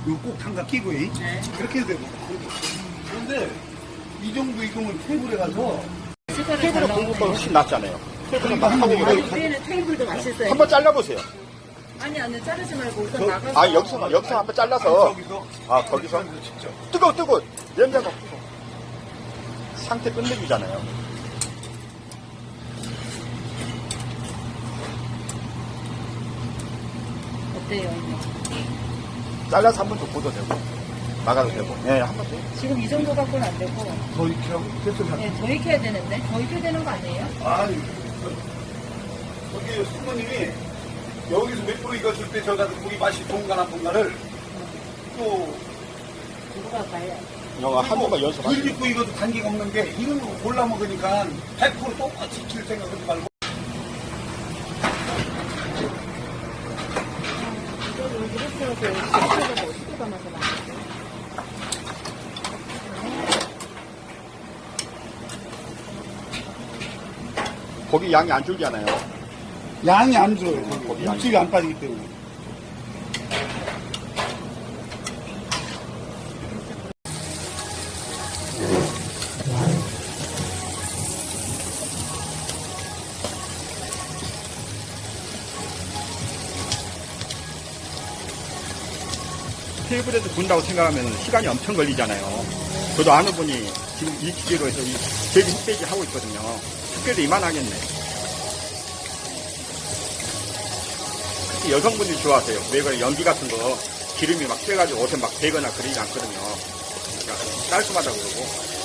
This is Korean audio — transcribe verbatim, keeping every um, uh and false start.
이거 꼭 장갑 끼고, 이. 네. 그렇게 해도 되고. 그런데 이 정도 익으면 테이블에 가서 테이블에 구운 것보다 훨씬 낫잖아요. 테이블에 막 하고 아니, 그래. 우리는 테이블도 맛있어요. 한번 잘라보세요. 아니 아니 자르지 말고 우선 저- 나가서. 아, 여기서, 여기서 한번 잘라서. 저기서. 아, 거기서? 직접. 뜨거워, 뜨거워. 냄새가. 상태 끝내주잖아요. 어때요 이거? 잘라서 한번 더 구워도 되고. 막아도 되고. 예, 한 번 더. 지금 이 정도 갖고는 안 되고. 더 이렇게 하고, 됐어. 네, 더 익혀야 되는데 더 익혀야 되는 거 아니에요? 아니, 저기 숙모님이 여기서 몇 프로 익었을 때 저가 우리 맛이 동가나 뭔가를 또 누가 봐요? 영화 한 번만 덜 연습하시고. 익고 익어도 단계가 없는 게 이런 거 골라 먹으니까 백 퍼센트 똑같이 익힐 생각하지 말고 이거를 이렇게 해서 이렇게 어떻게 담아서 나? 고기 양이 안 줄잖아요. 양이 안 줘요. 거기 양이. 육질이 안 빠지기 때문에. 테이블에서 구운다고 생각하면 시간이 엄청 걸리잖아요. 저도 아는 분이 지금 이 기계로 해서 이 제기 흑돼지 하고 있거든요. 흑돼도 이만하겠네. 특히 여성분들이 좋아하세요. 왜 그래, 연기 같은 거 기름이 막 쬐가지고 옷에 막 배거나 그러지 않거든요. 그러니까 깔끔하다고 그러고.